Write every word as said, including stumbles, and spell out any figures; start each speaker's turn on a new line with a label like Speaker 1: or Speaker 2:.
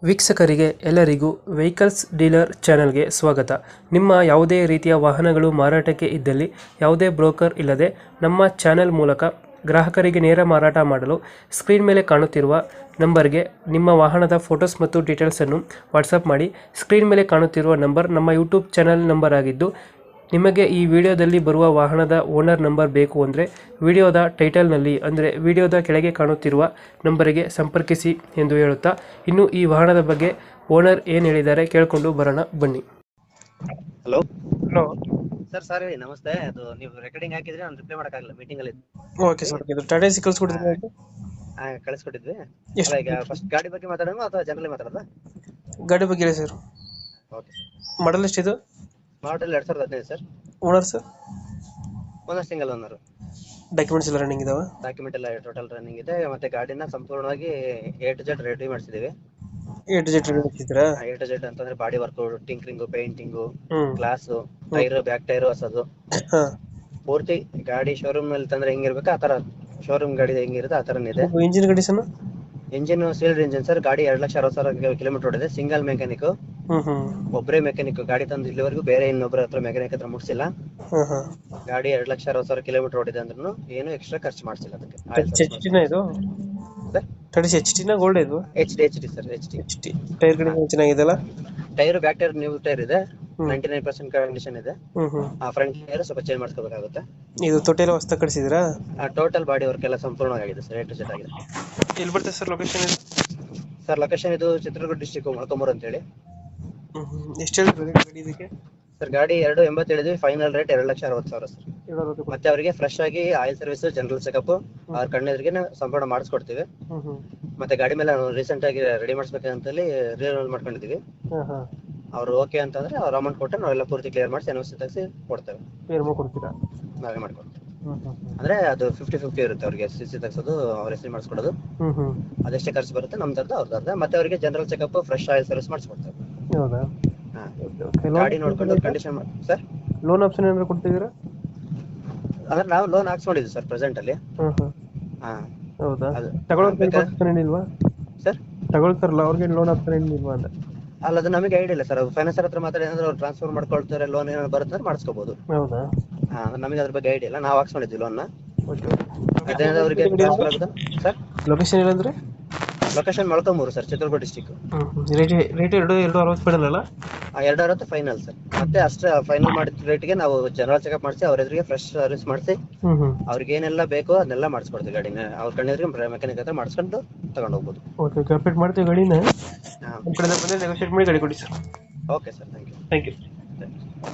Speaker 1: ವೀಕ್ಷಕರಿಗೆ ಎಲ್ಲರಿಗೂ vehicles dealer ಚಾನೆಲ್ಗೆ ಸ್ವಾಗತ. ನಿಮ್ಮ ಯಾವುದೇ ರೀತಿಯ ವಾಹನಗಳು ಮಾರಾಟಕ್ಕೆ ಇದ್ದಲ್ಲಿ ಯಾವುದೇ ಬ್ರೋಕರ್ ಇಲ್ಲದೆ ನಮ್ಮ ಚಾನೆಲ್ ಮೂಲಕ ಗ್ರಾಹಕರಿಗೆ ನೇರ ಮಾರಾಟ ಮಾಡಲು ಸ್ಕ್ರೀನ್ ಮೇಲೆ ಕಾಣುತ್ತಿರುವ ನಂಬರ್ಗೆ ನಿಮ್ಮ ವಾಹನದ ಫೋಟೋಸ್ ಮತ್ತು ಡೀಟೇಲ್ಸನ್ನು ವಾಟ್ಸಪ್ ಮಾಡಿ. ಸ್ಕ್ರೀನ್ ಮೇಲೆ ಕಾಣುತ್ತಿರುವ ನಂಬರ್ ನಮ್ಮ ಯೂಟ್ಯೂಬ್ ಚಾನೆಲ್ ನಂಬರ್ ಆಗಿದ್ದು, ನಿಮಗೆ ಈ ವಿಡಿಯೋದಲ್ಲಿ ಬರುವ ವಾಹನದ ಓನರ್ ನಂಬರ್ ಬೇಕು ಅಂದರೆ ವಿಡಿಯೋದ ಟೈಟಲ್ನಲ್ಲಿ ಅಂದರೆ ವಿಡಿಯೋದ ಕೆಳಗೆ ಕಾಣುತ್ತಿರುವ ನಂಬರಿಗೆ ಸಂಪರ್ಕಿಸಿ ಎಂದು ಹೇಳುತ್ತಾ, ಇನ್ನು ಈ ವಾಹನದ ಬಗ್ಗೆ ಓನರ್ ಏನು ಹೇಳಿದ್ದಾರೆ ಕೇಳಿಕೊಂಡು ಬರೋಣ ಬನ್ನಿ.
Speaker 2: Hello
Speaker 1: hello,
Speaker 2: sir. ಸರ್ ಹೇಳಿ. ನಮಸ್ತೆ. ಅದು ನೀವು ರೆಕಾರ್ಡಿಂಗ್ ಹಾಕಿದ್ರೆ ನಾನು ರಿಪ್ಲೈ ಮಾಡೋಕ್ಕಾಗಲ್ಲ, ಮೀಟಿಂಗ್ ಅಲ್ಲಿ
Speaker 1: ಓಕೆ ಸರ್. ಇದು ಟಾಟಾ ಸಿ ಕಳಿಸ್ಕೊಡಿದ್ರೆ
Speaker 2: ಆ, ಕಳಿಸ್ಕೊಟ್ಟಿದ್ವಿ.
Speaker 1: ಎಷ್ಟು?
Speaker 2: ಅಲ್ಲ, ಈಗ ಫಸ್ಟ್ ಗಾಡಿ ಬಗ್ಗೆ ಮಾತಾಡೋಣ ಅಥವಾ ಜನರಲಿ ಮಾತಾಡೋದಾ?
Speaker 1: ಗಾಡಿ ಬಗ್ಗೆ ಹೇಳಿ ಸರ್.
Speaker 2: ಓಕೆ.
Speaker 1: ಮಾಡಲ್ ಎಷ್ಟಿದು?
Speaker 2: ಮಾಡೆಲ್ ಎರಡ್ ಸಾವಿರದ ಹದಿನೈದು sir.
Speaker 1: Owner sir?
Speaker 2: Owner single owner.
Speaker 1: Documents ಎಲ್ಲ ರನ್ನಿಂಗ್ ಇದಾವೆ?
Speaker 2: ಡಾಕ್ಯುಮೆಂಟ್ ಎಲ್ಲ ಟೋಟಲ್ ರನ್ನಿಂಗ್ ಇದೆ. ಮತ್ತೆ ಗಾಡಿನ ಸಂಪೂರ್ಣವಾಗಿ ಎ ಟು ಜೆಡ್ ರೆಡಿ ಮಾಡಿಸಿದೀವಿ.
Speaker 1: ಎ ಟು ಜೆಡ್ ಹಾಕಿದ್ರಾ?
Speaker 2: ಎ ಟು ಜೆಡ್ ಅಂತಂದ್ರೆ body work, tinkering, painting,
Speaker 1: hmm
Speaker 2: glass, tyre, back tyre ಹೊಸದು,
Speaker 1: ಹಾ.
Speaker 2: ಪೂರ್ತಿ ಗಾಡಿ ಶೋರೂಮ್ ನಲ್ಲಿ ತಂದ್ರೆ ಹೆಂಗಿರ್ಬೇಕು ಆ ತರ ಶೋರೂಮ್ ಗಾಡಿ ಹೆಂಗಿರುತ್ತೆ ಆ ತರನೇ ಇದೆ.
Speaker 1: Engine condition?
Speaker 2: Engine sealed engine sir. ಗಾಡಿ ಎರಡ್ ಲಕ್ಷ ಅರವತ್ತು ಸಾವಿರ ಕಿಲೋಮೀಟರ್ ಓಡಿದೆ. ಸಿಂಗಲ್ ಮೆಕ್ಯಾನಿಕ್,
Speaker 1: ಹ್ಮ್ ಹ್ಮ್
Speaker 2: ಒಬ್ಬರೇ ಮೆಕ್ಯಾನಿಕ್. ಗಾಡಿ ತಂದು ಇಲ್ಲಿವರೆಗೂ ಬೇರೆ ಇನ್ನೊಬ್ಬರ ಹತ್ರ ಮೆಕ್ಯಾನಿಕ್ ಹತ್ರ ಮುಗಿಸಿಲ್ಲ.
Speaker 1: ಹ್ಮ್ ಹ್ಮ್
Speaker 2: ಗಾಡಿ ಎರಡ್ ಲಕ್ಷ ಅರವತ್ತು ಸಾವಿರ ಕಿಲೋಮೀಟರ್ ಓಡಿದೆ ಅಂದ್ರೂ ಏನು ಎಕ್ಸ್ಟ್ರಾ ಖರ್ಚು ಮಾಡಿಸಿಲ್ಲ ಅದಕ್ಕೆ.
Speaker 1: ಎಚ್ ಟಿನ ಇದು? ತರ್ಟಿ ಎಚ್ ಟಿನ ಗೋಲ್ಡ್ ಇದು?
Speaker 2: H D H D sir. H D
Speaker 1: H T tyre condition ಚೆನ್ನಾಗಿದೆಲ್ಲ?
Speaker 2: Tyre, back tyre new tyre ಇದೆ.
Speaker 1: Hmm.
Speaker 2: Ninety nine percent condition ಇದೆ.
Speaker 1: ಹ್ಮ್ ಹ್ಮ್
Speaker 2: ಆ ಫ್ರಂಟ್ ಟೈರ್ ಸ್ವಲ್ಪ ಚೇಂಜ್ ಮಾಡ್ಕೋಬೇಕಾಗುತ್ತೆ.
Speaker 1: ಇದು ತೊಟ್ಟಿ ಎಲ್ಲ ಹೊಸ್ದಾಗಿ ಕಳಿಸಿದ್ರಾ?
Speaker 2: ಟೋಟಲ್ ಬಾಡಿ ವರ್ಕ್ ಎಲ್ಲ ಸಂಪೂರ್ಣವಾಗಿದೆ ಸರ್. ಎ ಟು ಜೆಡ್ ಆಗಿದೆ.
Speaker 1: ಎಲ್ಲಿ ಬರ್ತದೆ ಸರ್ ಲೊಕೇಶನ್ ಇದು?
Speaker 2: ಸರ್ ಲೊಕೇಶನ್ ಇದು ಚಿತ್ರದುರ್ಗ ಡಿಸ್ಟಿಕ್ ಮೊಳಕಾಲ್ಮೂರು ಅಂತ ಹೇಳಿ.
Speaker 1: ಹ್ಮ್ ಹ್ಮ್ ಎಷ್ಟು ಹೇಳ್ತೀರಿ ಗಾಡಿ ಇದಕ್ಕೆ?
Speaker 2: ಸರ್ ಗಾಡಿ ಎರಡು ಎಂಬತ್ತು ಹೇಳಿದ್ವಿ. ಫೈನಲ್ ರೇಟ್ ಎರಡು ಲಕ್ಷ ಅರವತ್ತು ಸಾವಿರ ಸರ್. ಮತ್ತೆ ಅವರಿಗೆ ಫ್ರೆಶ್ ಆಗಿ ಆಯಿಲ್ ಸರ್ವಿಸ್, ಜನರಲ್ ಚೆಕಪ್ ಅವ್ರ ಕಣ್ಣೆದ್ರಿಗೆ ಸಂಪೂರ್ಣ ಮಾಡಿಸ್ಕೊಡ್ತೀವಿ.
Speaker 1: ಹ್ಮ್ ಹ್ಮ್
Speaker 2: ಮತ್ತೆ ಗಾಡಿ ಮೇಲೆ ನಾವು ರೀಸೆಂಟ್ ಆಗಿ ರೆಡಿ ಮಾಡಿಸ್ಬೇಕಂತ ಹೇಳಿ ರಿನ್ಯೂವಲ್ ಮಾಡ್ಕೊಂಡಿದೀವಿ.
Speaker 1: ಹಾ ಹಾ
Speaker 2: ಅವ್ರು ಓಕೆ ಅಂತಂದ್ರೆ ಅವ್ರ ಅಮೌಂಟ್ ಕೊಟ್ಟು ನಾವೆಲ್ಲ ಪೂರ್ತಿ ಕ್ಲಿಯರ್ ಮಾಡಿಸಿ ಎನ್ ಓ ಸಿ ತೆಗೆಸಿ ಕೊಡ್ತೇವೆ.
Speaker 1: ಕ್ಲಿಯರ್ ಮಾಡ್ಕೊಡ್ತೀರಾ?
Speaker 2: ನಾವೇ ಮಾಡ್ಕೊಡ್ತೇವೆ.
Speaker 1: ಹ್ಮ್ ಹ್ಮ್
Speaker 2: ಅಂದ್ರೆ ಅದು ಫಿಫ್ಟಿ ಫಿಫ್ಟಿ ಇರುತ್ತೆ. ಅವ್ರಿಗೆ ಸಿ ಸಿ ತೆಗ್ಸೋದು, ಅವ್ರ ಹೆಸರು ಮಾಡಿಸ್ಕೊಡೋದು,
Speaker 1: ಹ್ಮ್ ಹ್ಮ್
Speaker 2: ಅದೆಷ್ಟೇ ಖರ್ಚು ಬರುತ್ತೆ ನಮ್ದು ಅವ್ರದ್ದು ಅರ್ಧ. ಮತ್ತೆ ಅವರಿಗೆ general checkup, fresh oil service ಮಾಡಿಸ್ಕೊಡ್ತೇವೆ.
Speaker 1: ಹೌದಾ?
Speaker 2: ಹಾ.
Speaker 1: ಓಕೆ.
Speaker 2: ಗಾಡಿ ನೋಡ್ಕೊಂಡು ಕಂಡೀಷನ್ ಸರ್.
Speaker 1: ಲೋನ್ ಆಪ್ಷನ್ ಏನಾದ್ರು ಕೊಡ್ತಿದ್ದೀರಾ?
Speaker 2: ಅಂದ್ರೆ ನಾವು ಲೋನ್ ಹಾಕ್ಸ್ಕೊಂಡಿದ್ವಿ ಸರ್ ಪ್ರೆಸೆಂಟ್ ಅಲ್ಲಿ.
Speaker 1: ಹ್ಮ್ ಹ್ಮ್
Speaker 2: ಹಾ.
Speaker 1: ಹೌದಾ?
Speaker 2: ಅದು
Speaker 1: ತಗೊಳ್ಳೋಕೆ ಆಪ್ಷನ್ ಏನಿಲ್ವಾ
Speaker 2: ಸರ್?
Speaker 1: ತಗೊಳ್ತಾರಲ್ಲ ಅವ್ರಿಗೆ ಲೋನ್ ಆಪ್ಷನ್ ಏನಿಲ್ವಾ ಅಂತ?
Speaker 2: ಅಲ್ಲ, ಅದು ನಮಗೆ ಐಡಿಯಾ ಇಲ್ಲ ಸರ್. ಫೈನಾನ್ಸರ್ ಹತ್ರ ಮಾತಾಡಿ ಅಂದ್ರೆ ಅವ್ರು ಟ್ರಾನ್ಸ್ಫರ್ ಮಾಡ್ಕೊಳ್ತಾರೆ, ಲೋನ್ ಏನಾದ್ರು ಬರುತ್ತೆ ಅಂದ್ರೆ ಮಾಡಿಸ್ಕೋಬಹುದು.
Speaker 1: ಹೌದಾ?
Speaker 2: ಹಾ, ನಮಗೆ ಅದ್ರ ಬಗ್ಗೆ ಐಡಿಯಾ ಇಲ್ಲ. ನಾವು ಹಾಕ್ಸ್ಕೊಂಡಿದ್ವಿ ಲೋನ್.
Speaker 1: ಓಕೆ.
Speaker 2: ಅದೇನಾದ್ರು ಅವರಿಗೆ ಟ್ರಾನ್ಸ್ಫರ್ ಆಗುತ್ತಾ ಸರ್?
Speaker 1: ಲೊಕೇಶನ್ ಏನಂದ್ರೆ?
Speaker 2: Location Molakalmuru sir, Chitradurga district.
Speaker 1: Rate rate ಎರಡು ಎರಡು ಅರವತ್ತು ಬಿಡಲ್ಲ?
Speaker 2: ಎರಡು ಅರವತ್ತು ಫೈನಲ್ ಸರ್. ಮತ್ತೆ ಅಷ್ಟೇ ಫೈನಲ್ ಮಾಡಿದ ರೇಟ್ಗೆ ನಾವು ಜನರಲ್ ಚೆಕಪ್ ಮಾಡಿಸಿ ಅವ್ರ ಎದುರಿಗೆ ಫ್ರೆಶ್ ಸರ್ವಿಸ್ ಮಾಡಿಸಿ
Speaker 1: ಹ್ಮ್ ಹ್ಮ್
Speaker 2: ಅವ್ರಿಗೆ ಏನೆಲ್ಲ ಬೇಕೋ ಅದನ್ನೆಲ್ಲ ಮಾಡಿಸ್ಕೊಡ್ತೀವಿ. ಗಾಡಿನ ಅವ್ರ ಕಣ್ಣೆದುರಿಗೆ ಮೆಕ್ಯಾನಿಕ್ ಹತ್ರ ಮಾಡಿಸ್ಕೊಂಡು ತಗೊಂಡು ಹೋಗ್ಬೋದು.
Speaker 1: ಓಕೆ. ಕಂಪ್ಲೀಟ್ ಮಾಡ್ತೀವಿ ಗಾಡಿನ.
Speaker 2: ಹಾ.
Speaker 1: ನಮ್ಮ ಕಡೆಯಿಂದ ಬಂದರೆ ನೆಗೋಷಿಯೇಟ್ ಮಾಡಿ ಗಾಡಿ ಕೊಡಿ sir.
Speaker 2: Okay sir. Thank you.
Speaker 1: Thank you.